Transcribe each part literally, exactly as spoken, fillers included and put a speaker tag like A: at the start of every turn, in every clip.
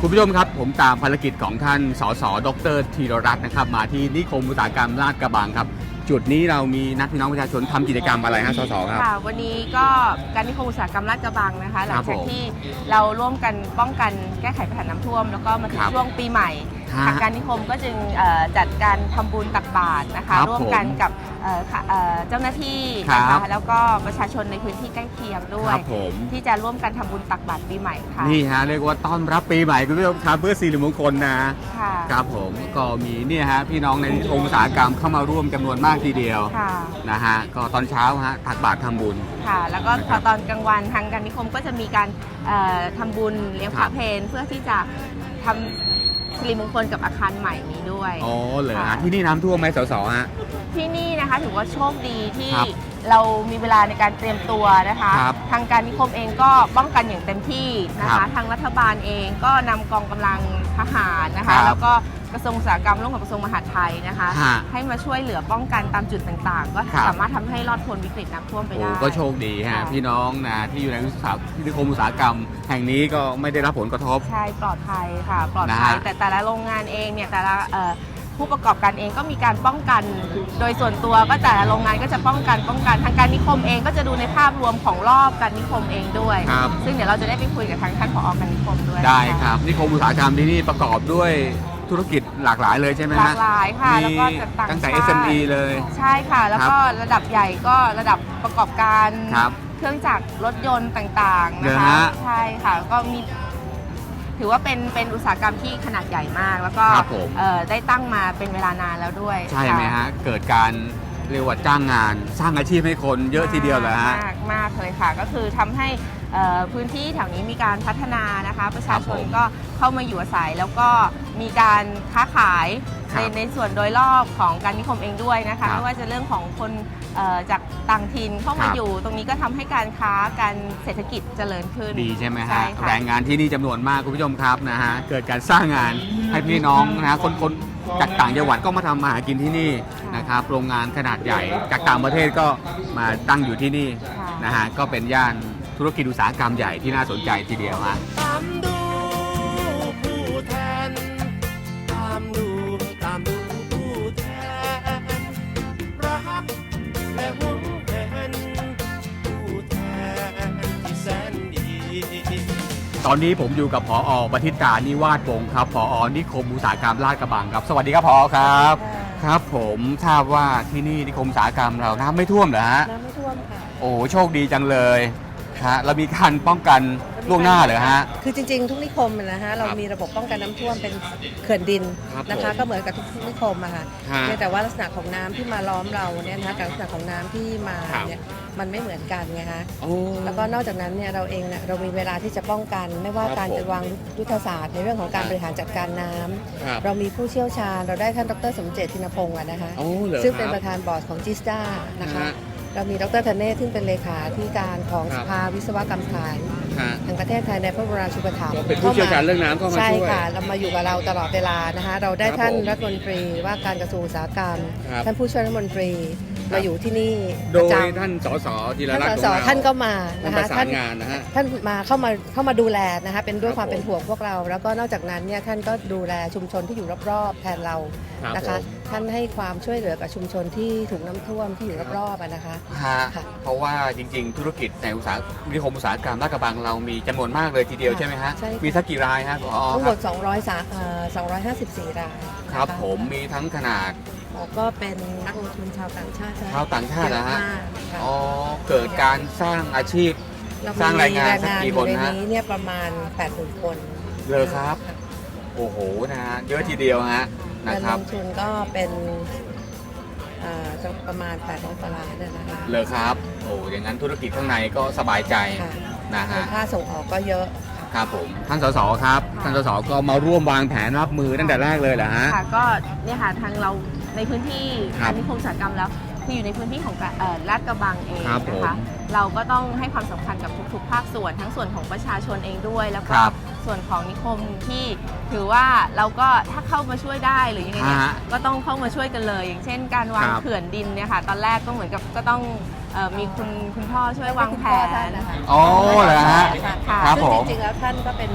A: คุณผู้ชมครับผมตามภารกิจของท่านสสดรธีรรัตน์นะครับมาที่นิคมอุตสาหกรรมลาดกระบังครับจุดนี้เรามีนักพี่น้องประชาชนทำกิจกรรมอะไรฮะสสครับ
B: ค่ะวันนี้ก็การนิคมอุตสาหกรรมลาดกระบังนะคะหลังจากที่เราร่วมกันป้องกันแก้ไขปัญหาน้ำท่วมแล้วก็มาถึงช่วงปีใหม่ทางการนิคมก็จึงจัดการทำบุญตักบาตรนะคะร่วมกันกับเจ้าหน้าที่นะคะแล้วก็ประชาชนในพื้นที่ใกล้เคียงด้วยที่จะร่วมกันทำบุญตักบาตรปีใหม่ค่ะ
A: นี่ฮะเรียกว่าต้อนรับปีใหม่คุณผู้ชมครับเพื่อสิริมงคลนะ
B: ค่ะ
A: ครับผมก็มีเนี่ยฮะพี่น้องในนิคมอุตสาหกรรมเข้ามาร่วมจำนวนมากทีเดียวนะฮะก็ตอนเช้าฮะตักบาตรทำบุญ
B: ค่ะแล้วก็พอตอนกลางวันทางการนิคมก็จะมีการทำบุญเลี้ยงพระเพลเพื่อที่จะทำสิริมงคลกับอาคารใหม่นี้ด้วย
A: อ๋อเลยฮะที่นี่น้ำท่วมไหมสสฮะ
B: ที่นี่นะคะถือว่าโชคดีที่เรามีเวลาในการเตรียมตัวนะคะทางการนิคมเองก็ป้องกันอย่างเต็มที่นะคะทางรัฐบาลเองก็นำกองกำลังทหารนะคะแล้วก็กระทรวงอุตสาหกรรมร่วมกับกระทรวงมหาดไทยนะคะให้มาช่วยเหลือป้องกันตามจุดต่างๆก็สามารถทำให้รอดพ้นวิกฤตน้ำท่วมไปได้
A: ก็โชคดีฮะพี่น้องนะที่อยู่ในนิคมอุตสาหกรรมแห่งนี้ก็ไม่ได้รับผลกระทบ
B: ใช่ปลอดภัยค่ะปลอดภัยแต่แต่ละโรงงานเองเนี่ยแต่ละผู้ประกอบการเองก็มีการป้องกันโดยส่วนตัวก็แต่ละโรงงานก็จะป้องกันป้องกันทางการนิคมเองก็จะดูในภาพรวมของรอบการนิคมเองด้วยซึ่งเดี๋ยวเราจะได้ไปคุยกับทางท่านผอ.การนิคมด้วย
A: ได้ครับนิคมอุตสาหกรรมที่นี่ประกอบด้วยธุรกิจหลากหลายเลยใช่ไหมฮะ
B: หลากหลายค่ะแล้วก็
A: ตั้งแต่ เอส เอ็ม อี เลย
B: ใช่ค่ะแล้วก็ระดับใหญ่ก็ระดับประกอบการเครื่องจักรรถยนต์ต่างๆนะคะใช่ค่ะก็มีถือว่าเป็นเป็นอุตสาหกรรมที่ขนาดใหญ่มากแล้วก็ได้ตั้งมาเป็นเวลานานแล้วด้วย
A: ใช่ไหมฮะเกิดการเรียกว่าจ้างงานสร้างอาชีพให้คนเยอะทีเดียวเลยฮะ
B: มากมากเลยค่ะก็คือทำให้พื้นที่แถวนี้มีการพัฒนานะคะประชาชนก็เข้ามาอยู่อาศัยแล้วก็มีการค้าขายในในส่วนโดยรอบของการนิคมเองด้วยนะคะไม่ว่าจะเรื่องของคนจากต่างถิ่นเข้ามาอยู่ตรงนี้ก็ทำให้การค้าการเศรษฐกิจเจริญขึ้น
A: ดีใช่ไหมฮะแรงงานที่นี่จำนวนมากคุณผู้ชมครับนะฮะเกิดการสร้างงานให้พี่น้องนะฮะคนคนจากต่างจังหวัดก็มาทำมาหากินที่นี่นะครับโรงงานขนาดใหญ่จากต่างประเทศก็มาตั้งอยู่ที่นี่นะฮะก็เป็นย่านธุรกิจอุตสาหกรรมใหญ่ที่น่าสนใจทีเดียวฮะตามดูผู้แทนตามดูตามดูผู้แทนรักและหวงแหนผู้แทนที่แสนดีตอนนี้ผมอยู่กับผอ.ปฏิตานิวาสวงศ์ครับผอ.นิคมอุตสาหกรรมลาดกระบังครับสวัสดีครับผอ.ครับครับผมทราบว่าที่นี่นิคมอุตสาหกรรมเราน้ำไม่ท่วมเหรอฮะ
B: น้ำไม่ท่วมค่ะ
A: โอ้โชคดีจังเลยฮะเรามีการป้องกันล่วงหน้าเหรอฮะ
C: คือจริงๆทุกนิคมนะฮะเรามีระบบป้องกันน้ำท่วมเป็นเขื่อนดินนะคะก็เหมือนกับทุกนิคมอะค่ะแต่ว่าลักษณะของน้ำที่มาล้อมเราเนี่ยนะคะกับลักษณะของน้ำที่มาเนี่ยมันไม่เหมือนกันไงฮะแล้วก็นอกจากนั้นเนี่ยเราเองเนี่ยเรามีเวลาที่จะป้องกันไม่ว่าการจะวางยุทธศาสตร์ในเรื่องของการบริหารจัดการน้ำเรามีผู้เชี่ยวชาญเราได้ท่านดร.สมเจตทินพงศ์นะคะซึ่งเป็นประธานบอร์ดของจิสตานะคะเรามีดร.ธเนศซึ่งเป็นเลขาธิการของสภาวิศวกรรมฐานแห่งประเทศไทยในพระบรมราชูปถัมภ์
A: เป็นผู้เชี่ยวชาญเรื่องน้ำเข้ามาช่วย
C: ใช่ค่ะเรามาอยู่กับเราตลอดเวลานะคะเราได้ท่านรัฐมนตรีว่าการกระทรวงอุตสาหกรรมท่านผู้ช่วยรัฐมนตรีมาอยู่ที่นี่
A: โดยท่านสสธีรรัตน์
C: ท่านสสท่านก็มานะคะ
A: ท่านงานนะฮะ
C: ท่านมาเข้ามาเข้ามาดูแลนะคะเป็นด้วยความเป็นห่วงพวกเราแล้วก็นอกจากนั้นเนี่ยท่านก็ดูแลชุมชนที่อยู่รอบๆแทนเรานะคะท่านให้ความช่วยเหลือกับชุมชนที่ถูกน้ำท่วมที่อยู่รอบๆนะคะ
A: เพราะว่าจริงๆธุรกิจในอุตสาหนิคมอุตสาหกรรมลาดกระบังเรามีจำนวนมากเลยทีเดียวใช่ไหมฮะมีสักกี่รายฮะ
C: ทั้งหมดสองร้อยสามเอ่อสองร้อยห้าสิบสี่ราย
A: ครับผมมีทั้งขนาด
C: ก็เป็นนักลงทุนชาวต่างชาติ
A: ชาวต่างชาตินะฮะอ๋อเกิดการสร้างอาชีพสร้างรายงานสักกี่คนฮะ
C: ในนี้เนี่ยประมาณ แปดหมื่น คน
A: เลยครับโอ้โหนะฮะเยอะทีเดียวฮะนะครับ
C: ลงทุนก็เป็นประมาณแปดร้อยกว่าล้านนะคะ
A: เลยครับโอ้อย่างนั้นธุรกิจข้างในก็สบายใจนะฮะ
C: ค่าส่งออกก็เยอะ
A: ครับผมท่านสสครับท่านสสก็มาร่วมวางแผนรับมือตั้งแต่แรกเลยเหรอฮะ
B: ค่ะก็เนี่ยค่ะทางเราในพื้นที่นิคมอุตสาหกรรมแล้วคืออยู่ในพื้นที่ของลาดกระบังเองนะคะเราก็ต้องให้ความสำคัญกับทุกๆภาคส่วนทั้งส่วนของประชาชนเองด้วยแล้วก็ส่วนของนิคมที่ถือว่าเราก็ถ้าเข้ามาช่วยได้หรือยังไงเนี่ยก็ต้องเข้ามาช่วยกันเลยอย่างเช่นการวางเขื่อนดินเนี่ยค่ะตอนแรกก็เหมือนกับก็ต้องมีคุณคุณพ่อช่วยวางแผน
A: อ๋อเหรอฮะ
C: ครับผมจริงๆแล้วท่านก็เป็น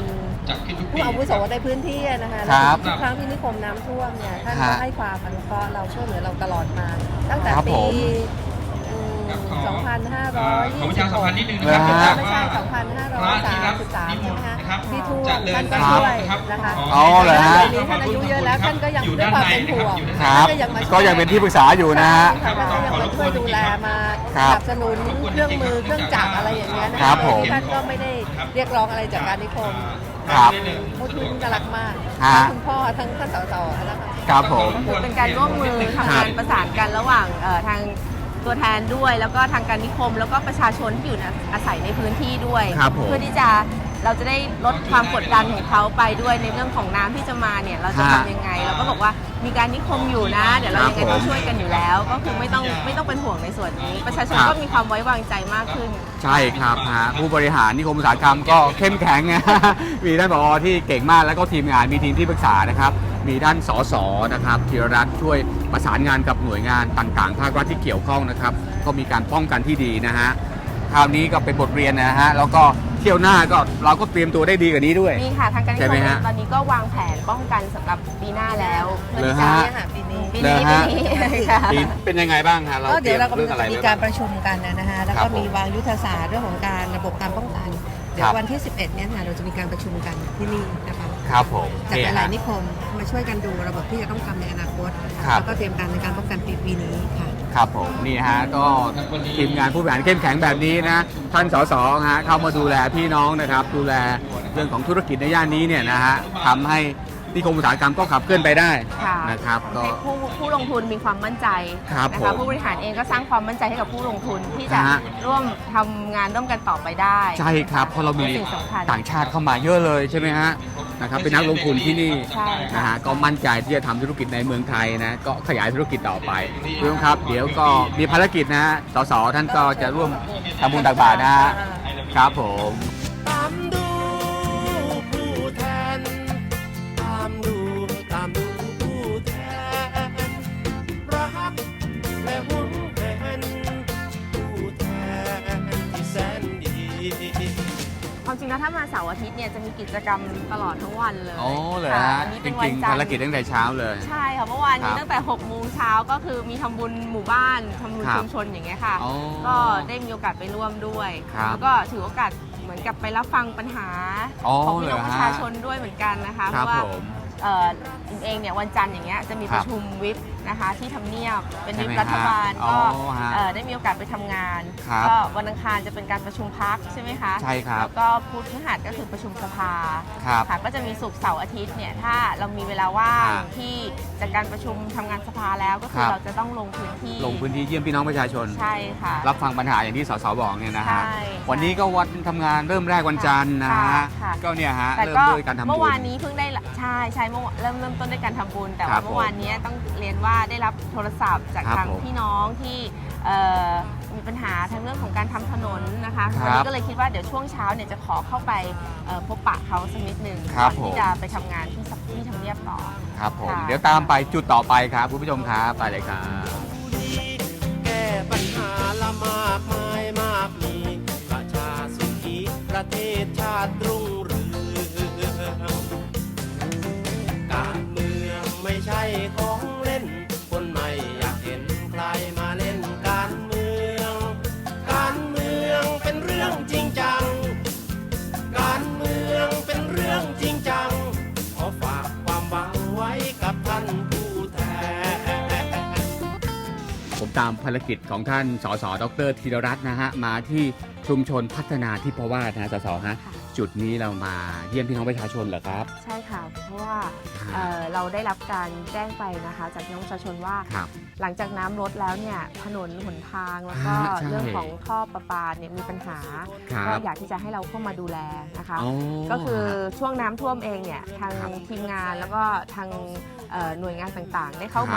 D: จัดขึ้นทุกปี
C: ผู้อาวุโสในพื้นที่นะคะ
A: ครับ
C: ทุกครั้งที่นิคมน้ำท่วมเนี่ยท่าน
A: ฮะ
C: ก็ให้ความอนุเคราะห์เราช่วยเหลือเราตลอดมา ตั้งแต่
A: ครับ
C: ปี
A: ผม
C: อืม
D: ครับขอ
C: สองพันห้าร้
D: เอ่
C: อ
D: อย ขอประชาสัมพันธ์นิดนึง
A: เหร
D: นะ
A: อ
D: ค
A: ฮะ
D: รับ
C: ไม่ใช่
D: ว่า
C: สองพันห้าร้
D: พ
C: อย
D: ระที่รับ
C: สามสิบสาม
D: นิมนต์
C: ใช่ไหม
D: นะครับ
C: คะที่ท่ว
D: จะ
C: ม
D: เดิ
C: ท่าน นก็
D: ทาง
C: ช่วย
D: นะครับ
C: นะคะ
A: อ๋อเหรอฮะ
C: ตอนนี้ท่านอายุเยอะแล้วท่านก็ยัง
D: อยู่
C: ด้วย
D: ด้าน
C: ความ
D: ใน
C: เป็น
D: นะค
C: ห่
D: รับ
C: วง
D: อยู่
A: ค
D: ด้าน
A: รับ
D: ใน
C: ก็ยังมาช่วย
A: ก็ยังเป็นที่ปรึกษาอยู่นะฮะ
C: ใช่ค่ะท่านก็ยังมาช่วยดูแลมาส
A: ครับ
C: นับสนุนเครื่องมือเครื่องจักรอะไรอย่างเงี้ยนะ
A: ครั
C: คะ
A: บผม
C: ท่านก็ไม่ได้เรียกร้องอะไรจากการนิคม
A: ครับ
C: ผู้ทุนก็รักมาก
A: ฮะ
C: ทั้งคุณพ่อทั้งท่านสสนะคะ
A: ครับผม
B: ก็คือเป็นการร่วมมือทำงานประสานกันระหว่างเอ่อทางตัวแทนด้วย แล้วก็ทางการนิคม แล้วก็ประชาชนที่อยู่อาศัยในพื้นที่ด้วย
A: ครับผม
B: เพื่อที่จะเราจะได้ลดความกดดันของเขาไปด้วยในเรื่องของน้ำที่จะมาเนี่ยเราจะ
A: ฮะ
B: ทำยังไง เราก็บอกว่ามีการนิคมอยู่นะ เดี๋ยวเรา
A: ครับ
B: ยังไงต้อง
A: ผม
B: ช่วยกันอยู่แล้ว ก็คือไม่ต้องไม่ต้องเป็นห่วงในส่วนนี้ ประชาชน
A: ครับ
B: ก็มีความไว้วางใจมากขึ้น
A: ใช่ครับฮะผู้บริหารนิคมอุตสาหกรรมก็เข้มแข็ง นะมีท่านผอที่เก่งมากแล้วก็ทีมงานมีทีมที่ปรึกษานะครับ มีท่านสสนะครับธีรรัตน์ช่วยประสานงานกับหน่วยงานต่างๆ ภาครัฐที่เกี่ยวข้องนะครับ ก็มีการป้องกันที่ดีนะฮะคราวนี้ก็เป็นบทเรียนนะฮะแล้วก็เที่ยวหน้าก็เราก็เตรียมตัวได้ดีกว่านี้ด้วย
B: นี่ค่ะทางการนิ
A: ใช่
B: ค
A: ไหม
B: ม
A: ฮะ
B: ตอนนี้ก็วางแผนป้องกันสำหรับปีหน้าแล้ว
A: เหรอ
B: จะ
A: ฮะ
C: เนี่ยค่ะปีนี้
B: ปีนี้
A: เหรอ
B: ปี
A: ฮะ
B: นี้ค่ะ
A: ปีเป็นยังไงบ้างฮะเรา
C: ก็
A: เต
C: เดี๋
A: รี
C: ย
A: ยว ม
C: เรากำ
A: เรื่
C: ลั
A: อง งอะไร
C: จะมี
A: ไว้
C: กา
A: บ้าร ง
C: ประชุมกันนะฮะแล้ว
A: ครั
C: ก็
A: บผม
C: มีวางยุทธศาสตร์เรื่องของการระบบการป้องกัน เดี๋ย
A: ครั
C: ว
A: บ
C: วันที่ สิบเอ็ดเนี่ยค่ะเราจะมีการประชุมกันที่นี่นะคะ
A: ครับผม
C: จาก
A: นี่
C: หลา
A: ฮะ
C: ยๆนิคมมาช่วยกันดูระบบที่จะต้องทำในอนาคต
A: ครับ
C: แล้วก็เตรียมการในการป้องกันปีปีนี้ค่ะ
A: ครับผมนี่ฮะก็ทีมงานผู้บริหารเข้มแข็งแบบนี้นะท่านสสฮะเข้ามาดูแลพี่น้องนะครับ ดูแลเรื่องของธุรกิจในย่านนี้เนี่ยนะฮะทำให้นิคมอุตสาหกรรมก็ขับเคลื่อนไปได้
B: ค่ะ
A: นะครับก็
B: ให้ผู้ผู้ลงทุนมีความมั่นใจ
A: ครับ
B: นะ
A: ผ
B: คะ
A: ม
B: ผู้บริหารเองก็สร้างความมั่นใจให้กับผู้ลงทุนที่จะ
A: ฮะ
B: ร่วมทำงานร่วมกันต่อไปได้
A: ใช่ครับเพราะเรามี
B: สิ่งสำคัญ
A: ต่างชาติเข้ามาเยอะเลยใช่ไหมฮะนะครับเป็นนักลงทุนที่นี่
B: ใช่ค่ะ
A: นะฮะก็มั่นใจที่จะทำธุรกิจในเมืองไทยนะก็ขยายธุรกิจต่อไปคุณผู้ชมครับ เดี๋ยวก็มีภารกิจนะฮะสสท่านก็จะร่วมทำบุญตักบาตรนะฮะครับผม
E: ตามดูผู้แทน ตามดูตามดูผู้แทน รักและหวงแหนผู้แทนที่แสนดี
B: ความจริงแล้วถ้ามาเสาร์อาทิตย์เนี่ยจะมีกิจกรรมตลอดทั้งวันเลย
A: อ๋อเลย
B: ค่ะ
A: ฮะ
B: วันนี้
A: จ
B: เป็นวั
A: ริ
B: น
A: งๆ
B: จันท
A: ภาร
B: ร์
A: กิจตั้งแต่เช้าเลย
B: ใช่ค่ะเมื่อวานนี้
A: ครับ
B: ตั้งแต่หกโมงเช้าก็คือมีทำบุญหมู่บ้านทำบุญ
A: ครับ
B: ชุมชนอย่างเงี้ยค่ะ
A: อ๋อ
B: ก็ได้มีโอกาสไปร่วมด้วย
A: ครับ
B: แล้วก็ถือโอกาสเหมือนกับไปรับฟังปัญหา
A: อ๋อ
B: ของพี่น้อง
A: เหรอฮะ
B: ประชาชนด้วยเหมือนกันนะคะ
A: ค
B: เพ
A: รับ
B: ราะว่า
A: ผม
B: เอ่ออิมเองเนี่ยวันจันทร์อย่างเงี้ยจะมี
A: ค
B: ป
A: รับ
B: ระชุมวิปนะคะที่ทำเนียบเป็นวิป
A: ใช่ไหม
B: รัฐบาล
A: ฮะ
B: ก็
A: อ๋อฮะ
B: เอ่อได้มีโอกาสไปทำงาน
A: ครับ
B: ก็วันอังคารจะเป็นการประชุมพักใช่ไหมคะ
A: ใช่ครับ
B: แล้วก็พุธพฤหัสก็คือประชุมสภา
A: ครับ
B: ค่ะก็จะมีศุกร์เสาร์อาทิตย์เนี่ยถ้าเรามีเวลาว่าง
A: ฮะ
B: ที่จากการประชุมทำงานสภาแล้วก็คื
A: ค
B: อ
A: รับ
B: เราจะต้องลงพื้นที่
A: ลงพื้นที่เยี่ยมพี่น้องประชาชน
B: ใช่ค่ะ
A: รับฟังปัญหาอย่างที่สสบอกเนี่ยนะฮะ
B: ใช่
A: วันนี้ก็วันทำงานเริ่มแรกวันจันทร์นะ
B: ค่ะ
A: ฮะ
B: ค่ะ
A: ก็เนี่ยฮะ
B: แต่
A: เริ่ม
B: ก็
A: ด้วยการทำบุญ
B: เมื่อวานนี้เพิ่งได้ละใช่ใช่เมื่อวานเริ่มเริ่มต้นด้วยการทำบุญ แต่
A: ครั
B: ว่า
A: บ
B: เมื่อวานนี้ต้องเรียนว่าได้รับโทรศัพท์จาก
A: ครับ
B: ทาง
A: ผม
B: พี่น้องที่เอ่อมีปัญหาทางเรื่องของการทำถนนนะคะ
A: ครับ
B: วันนี้ก็เลยคิดว่าเดี๋ยวช่วงเช้าเนี่ยจะขอเข้าไปเอ่อพบปะเขาสักนิดหนึ่ง
A: ครั
B: ก่
A: บ
B: อน
A: ผม
B: ที่จะไปทำงานที่สักที่ทำเนียบต่อ
A: ครับผม
B: ค่ะ
A: เดี๋ยวตามไปจุดต่อไปครับคุณผู้ชมครับไปเลยครับ
E: แก้ปัญหาละมากมายมากมี ประชาสุขีประเทศชาติรุ่งเรืองการเมืองไม่ใช่ของเล่น คนไม่อยากเห็นใครมาเล่นการเมือง การเมืองเป็นเรื่องจริงจัง การเมืองเป็นเรื่องจริงจัง ขอฝากความหวังไว้กับท่านผู้แทน
A: ผมตามภารกิจของท่านสสดรธีรรัตน์นะฮะมาที่ชุมชนพัฒนาทิพวาสนะฮะสสฮะ
B: ค่ะ
A: จุดนี้เรามาเยี่ยมพี่น้องประชาชนเหรอครับ
B: ใช่ค่ะ เพราะว่าเอ่อเราได้รับการแจ้งไปนะคะ จากพี่น้องประชาชนว่า
A: ครับ
B: หลังจากน้ำลดแล้วเนี่ยถนนหนทางแล้วก็
A: อ่าใช่
B: เรื่องของท่อประปาเนี่ยมีปัญหา
A: ครับ
B: ก็อยากที่จะให้เราเข้ามาดูแลนะคะ
A: อ๋อ
B: ก็คือช่วงน้ำท่วมเองเนี่ยทาง
A: ครับ
B: ทีมงานแล้วก็ทางเอ่อหน่วยงานต่างๆ ได้เข้า
A: ครับ
B: มา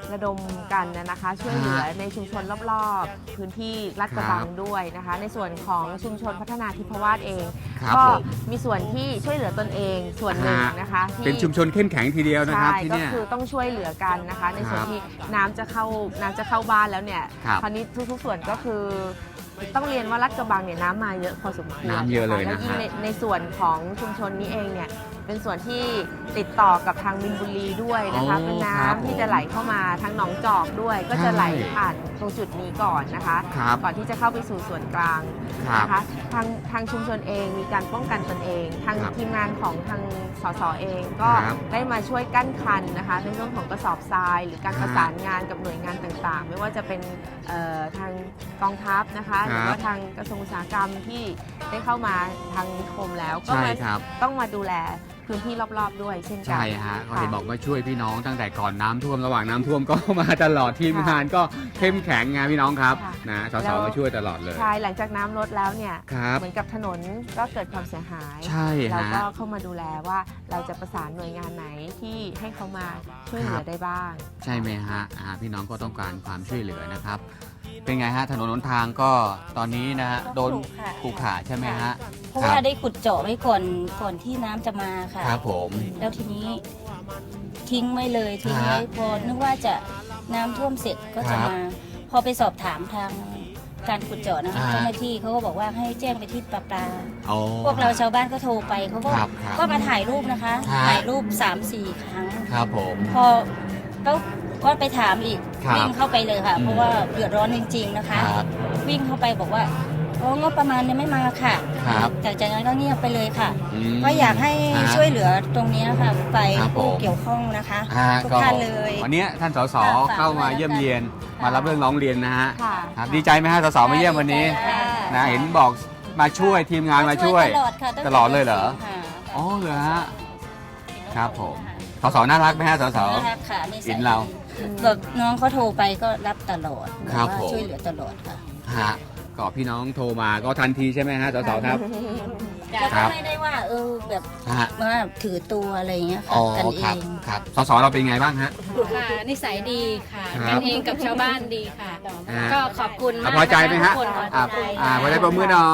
B: ระดมกันนะคะช่วยเหลือ
A: ฮะ
B: ในชุมชนรอบๆพื้นที่ลาดกระบังด้วยนะคะในส่วนของชุมชนพัฒนาทิพวาสเอง
A: ครับ
B: ก็
A: ผม
B: มีส่วนที่ช่วยเหลือตนเองส่วนหนึ่งนะคะที่
A: เป็นชุมชนเข้มแข็งทีเดียวนะครับ
B: ใช่
A: ที่
B: ก็
A: เนี่ย
B: คือต้องช่วยเหลือกันนะคะ ในส่วน
A: ครับ
B: ที่น้ำจะเข้าน้ำจะเข้าบ้านแล้วเนี่ย
A: ครับ
B: คราวนี้ทุกๆส่วนก็คือต้องเรียนว่าลาดกระบังเนี่ยน้ำมาเยอะพอสมควร
A: น้ำเยอะเลยนะ
B: แล้วยิ่ง
A: ฮะ
B: ในในส่วนของชุมชนนี้เองเนี่ยเป็นส่วนที่ติดต่อกับทางมินบุรีด้วยนะคะ
A: โอ้
B: เป็น
A: ครับ
B: น้ำที่จะไหลเข้ามาทางหนองจอกด้วย ก็จะไหล
A: ใช่
B: ผ่านตรงจุดนี้ก่อนนะคะ
A: ครับ
B: ก่อนที่จะเข้าไปสู่ส่วนกลาง
A: ครับ
B: นะคะทางทางชุมชนเองมีการป้องกันตนเอง ทาง
A: ครับ
B: ทีมงานของทางสสเองก็
A: ครับ
B: ได้มาช่วยกั้นคันนะคะในเรื่องของกระสอบทราย หรือการ
A: ฮะ
B: ประสานงานกับหน่วยงานต่างๆ ไม่ว่าจะเป็นเอ่อทางกองทัพนะคะหรือว่าทางกระทรวงอุตสาหกรรมที่ได้เข้ามาทางนิคมแล้วก็
A: ใช่
B: มา
A: ครับ
B: ต้องมาดูแลพื้นที่รอบๆด้วยเช่นกัน
A: ใช่ฮะเขาเห็น
B: ค่ะ
A: บอกว่าช่วยพี่น้องตั้งแต่ก่อนน้ำท่วมระหว่างน้ำท่วมก็มาตลอดทีมงานก็เข้มแข็งไงพี่น้องครับ
B: ค่ะ
A: นะส
B: แล้
A: ส
B: ว
A: มาช่วยตลอดเลย
B: ใช่หลังจากน้ำลดแล้วเนี่ย
A: ครับ
B: เหมือนกับถนนก็เกิดความเสียหาย
A: ใช่
B: เรา
A: ฮะ
B: ก็เข้ามาดูแลว่าเราจะประสานหน่วยงานไหนที่ให้เขามาช่วยเหลื
A: ครั
B: อบ ได้บ้าง
A: ใช่ไหมฮะอ่าพี่น้องก็ต้องการความช่วยเหลือนะครับ เป็นไงฮะถนนหนทางก็ตอนนี้นะฮะโดนขรุขระใช่ไหมฮะ
D: เพราะ
A: ค
D: ว่า
A: รับ
D: ได้ขุดเจาะไว้ก่อนก่อนที่น้ำจะมาค่ะ
A: ครับผม
D: แล้วทีนี้ทิ้งไม่เลยทีนี้
A: ฮะ
D: พอนึกว่าจะน้ำท่วมเสร็จก็จะ
A: ครับ
D: มา พอไปสอบถามทางการขุดเจาะนะคะ
A: อ่า
D: เจ้าหน้าที่เขาก็บอกว่าให้แจ้งไปที่ปลาปลา
A: โอ้
D: พวกเราชาวบ้านก็โทรไปเขาก็
A: ครับครับ
D: ก็มาถ่ายรูปนะคะ
A: ฮะ
D: ถ่ายรูปสามสี่ครั้ง
A: ครับผม
D: พอก็ก็ไปถามอีก
A: ครับ
D: วิ่งเข้าไปเลยค่ะ
A: อืม
D: เพราะว่าเดือดร้อนจริง ๆนะคะ
A: ครับ
D: วิ่งเข้าไปบอกว่าโอ้งบประมาณยังไม่มาค่ะ
A: ครับ
D: จากจากนั้นก็เงียบไปเลยค่ะ
A: ม
D: ก็อยากให้
A: ฮะ
D: ช่วยเหลือตรงนี้ค่ะไป
A: ครับผม
D: ผู้เกี่ยวข้องนะคะ
A: ฮะ
D: ทุก
A: ก็
D: ท่านเลย
A: วันนี้ท่านสส
D: ค่ะฝาก
A: เข้ามา
D: ไว้
A: เยี่ยม
D: แล้วกัน
A: เยียน
D: ค่ะ
A: มารับเรื่องร้องเรียนนะฮะ
B: ค่ะ
A: ครับดีใจไหมฮะสสมาเยี่ยมวันนี้
D: ค่ะ
A: นะเห็นบอกมาช่วยทีมงานมาช่วย
D: ตลอดค่ะงแต่
A: ตลอดเลยเหรอ
D: ค่ะ
A: อ๋อเหรอฮะ ครับผม สสน่ารักไหมฮะสส
D: น่ารักค่ะนิสัย
A: เห็นเรา
D: แบบน้องเขาโทรไปก็รับตลอด
A: ครับ
D: แว่า
A: ผม
D: ช่วยเหลือตลอดค่ะ
A: ฮะก็พี่น้องโทรมาก็ทันทีใช่ไหมฮะสสครับ
D: แล้ว
A: ครั
D: ก็
A: บ
D: ไม่ได้ว่าเออแบบ
A: ฮะ
D: ว่าถือตัวอะไรอย่างเงี้ย
A: อ๋
D: ค่ะ
A: อ
D: กันเอ
A: ครับ
D: ง
A: ครับสสเราเป็นไงบ้างฮะ
F: ค่ะนิสัยดีค่ะ
A: ครับ
F: กันเองกับชาวบ้านดีค่ะ
A: ฮะ
F: ก็ขอบคุณ
A: อ่ะ
F: มาก
A: พอใจไหมฮะ
F: ทุกคน
A: อ่าอ่าพอใจปรบมือหน่อย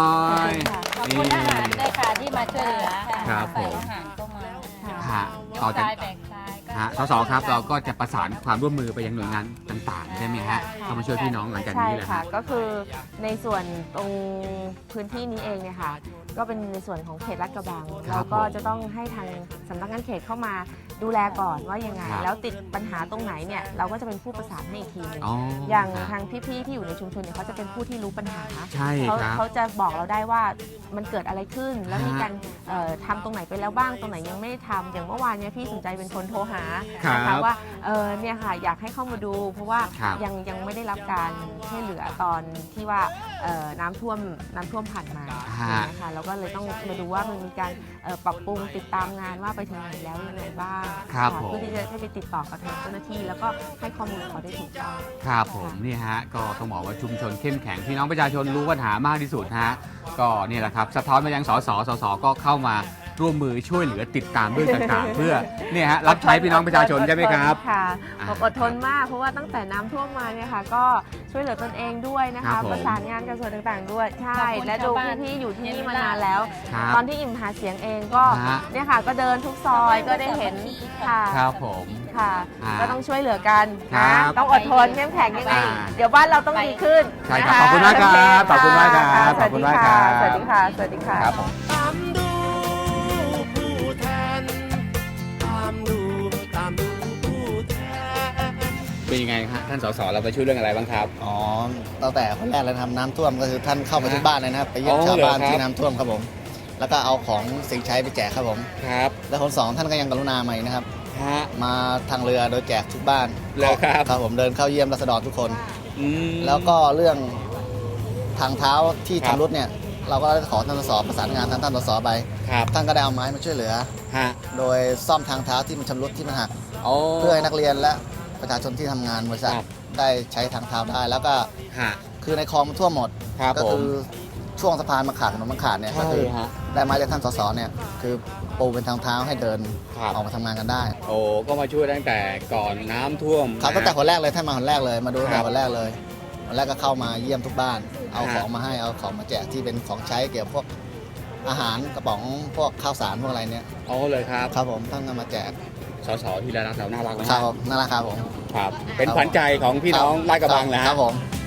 D: ขอบคุณทหารด้วยค่ะที่มาช่วยเหลือ
A: ครับผม
D: ฝ่ายทหารก็มา
A: ฮะ
F: ยก
A: ต่อจาก
F: ซ้ายแบกซ้ายก็
A: ฮะสสครับเราก็จะประสานความร่วมมือไปยังหน่วยงานต่างๆ ใช่ไหมฮะเข้ามาช่วยพี่น้องหลังจาก
B: ใช่
A: นี้แหละ
B: ค่ะ
A: ฮะ
B: ก็คือในส่วนตรงพื้นที่นี้เองเนี่ยค่ะ ก็เป็นในส่วนของเขตลาดกระบัง
A: ครับ
B: เราก็
A: ผม
B: จะต้องให้ทางสำนักงานเขตเข้ามาดูแลก่อนว่ายังไง
A: ครับ
B: แล้วติดปัญหาตรงไหนเนี่ยเราก็จะเป็นผู้ประสานให้อีกทีหนึง
A: อ๋อ
B: อย่าง
A: ฮะ
B: ทางพี่ๆที่อยู่ในชุมชนเนี่ยเขาจะเป็นผู้ที่รู้ปัญหา
A: ใช่
B: เขา
A: ครับ
B: เขาจะบอกเราได้ว่ามันเกิดอะไรขึ้น แล้ว
A: ฮะ
B: มีการเอ่อทำตรงไหนไปแล้วบ้างตรงไหนยังไม่ได้ทำอย่างเมื่อวานเนี่ยพี่สนใจเป็นคนโทรหา
A: ครับ
B: นะคะว่าเออเนี่ยค่ะอยากให้เข้ามาดู เพราะว่า
A: ครับ
B: ยังยังไม่ได้รับการช่วยเหลือตอนที่ว่าเอ่อน้ำท่วมน้ำท่วมผ่านมา
A: ฮะ
B: นะคะเราก็เลยต้องมาดูว่ามันมีการเอ่อปรับปรุงติดตามงานว่าไปถึงไหนแล้วยังไงบ้าง
A: ครับ
B: ะ
A: ผม
B: เพื่อที่จะให้ไปติดต่อกับทางเจ้าหน้าที่ แล้วก็ให้ข้อมูลเขาได้ถูกต้อง
A: ครับผมนี่ฮะก็ต้องบอกว่าชุมชนเข้มแข็งพี่น้องประชาชนรู้ปัญหามากที่สุดฮะก็นี่แหละครับสะท้อนมายังสสสสก็เข้ามาร่วมมือช่วยเหลือติดตามเรื่องต่างๆ เพื่อเนี่ยฮะรับใช้พี่น้องประชาชนใช่ไหมครับ
B: ค่ะ
A: อ่า
B: บอกอดทนมากเพราะว่าตั้งแต่น้ำท่วมมาเนี่ยค่ะก็ช่วยเหลือตนเองด้วยนะ
A: ครั
B: คะ
A: บผม
B: ประสานงานกับส่วนต่างๆด้วยใช่
F: ขอบคุณ
B: และดู
F: ชาวบ้าน
B: พี่ๆอยู่ที่นี่มานานแล้ว
A: ครับ
B: ตอนที่อิ่มหาเสียงเองก็
A: ฮะ
B: เนี่ยค่ะก็เดินทุกซอยก็ได้เห็นค่ะ
A: ครับผม
B: ค่ะ
A: อ่า
B: ก็ต้องช่วยเหลือกัน
A: ครั
B: นะ
A: บ
B: ต้องอดทนเข้มแข็งยังไง
A: อ่า
B: เดี๋ยวบ้านเราต้องดีขึ้น
A: ใช่ครับ
B: นะะ
A: ขอบคุณมากครับ
B: โเ
A: ขอบคุณมากครับ
B: ะ
A: ขอบคุณมากครับ
B: สวัสดีค่ะสวัสดีค่ะ
A: ครับผม
E: ตามดูผู้แทน ตามดูตามดูผู้แทน
A: เป็นยังไงฮะท่านสสเราไปช่วยเรื่องอะไรบ้างครับ
G: อ๋อตั้งแต่คนแรกเลยนะครับน้ำท่วมก็คือท่านเข้ามาที่บ้านเลยนะครับไปเยี่ยม
A: อ๋อ
G: ชาวบ้าน
A: เหรอครับ
G: ที่น้ำท่วมครับผม แล้วก็เอาของสิ่งใช้ไปแจกครับผม
A: ครับ
G: แล้วคนสองท่านก็ยังกรุณามาอีกนะครับ
A: ฮะ
G: มาทางเรือโดยแจกทุกบ้าน
A: เหรอครับ
G: ครับผมเดินเข้าเยี่ยมรัษฎรทุกคน
A: อืม
G: แล้วก็เรื่องทางเท้าที่
A: ครับ
G: ชำรุดเนี่ยเราก็ได้ขอท่านสสประสานงานทางท่านสสไป
A: ครับ
G: ท่านก็ได้เอาไม้มาช่วยเหลือ
A: ฮะ
G: โดยซ่อมทางเท้าที่มันชำรุดที่มันหัก
A: โอ้
G: เพื่อให้นักเรียนและประชาชนที่ทำงานบริษัท
A: ครับ
G: ได้ใช้ทางเท้าได้ แล้วก็
A: ฮะ
G: คือในคลองมันท่วมหมด
A: ครับ
G: ก็
A: ผม
G: คือช่วงสะพานมันขาดถนนมันขาดเนี่ยก็
A: ใช่
G: คือ
A: ฮะ
G: ได้มาจากท่านสสเนี่ยคือปูเป็นทางเท้าให้เดิน
A: ครับ
G: ออกมาทำงานกันได้
A: โอ้ก็มาช่วยตั้งแต่ก่อนน้ำท่วม
G: ครับตั้งแต่
A: นะ
G: คนแรกเลยท่านมาคนแรกเลยมาดูตั้ง
A: ครั
G: แต่
A: บ
G: คนแรกเลยวันแรกก็เข้ามาเยี่ยมทุกบ้าน เอา
A: ฮะ
G: ของมาให้เอาของมาแจกที่เป็นของใช้เกี่ยวกับพวกอาหารกระป๋องพวกข้าวสารพวกอะไรเนี่ย
A: อ๋อเลยครับ
G: ครับผมท่านก็มาแจก
A: สสที่รักเราน่ารักนะ
G: ครับผมน่ารักครับผม
A: ครับ เป็นขวัญใจของพี่น้องลาดกระบังนะ
G: ค
A: ฮะ
G: รับผม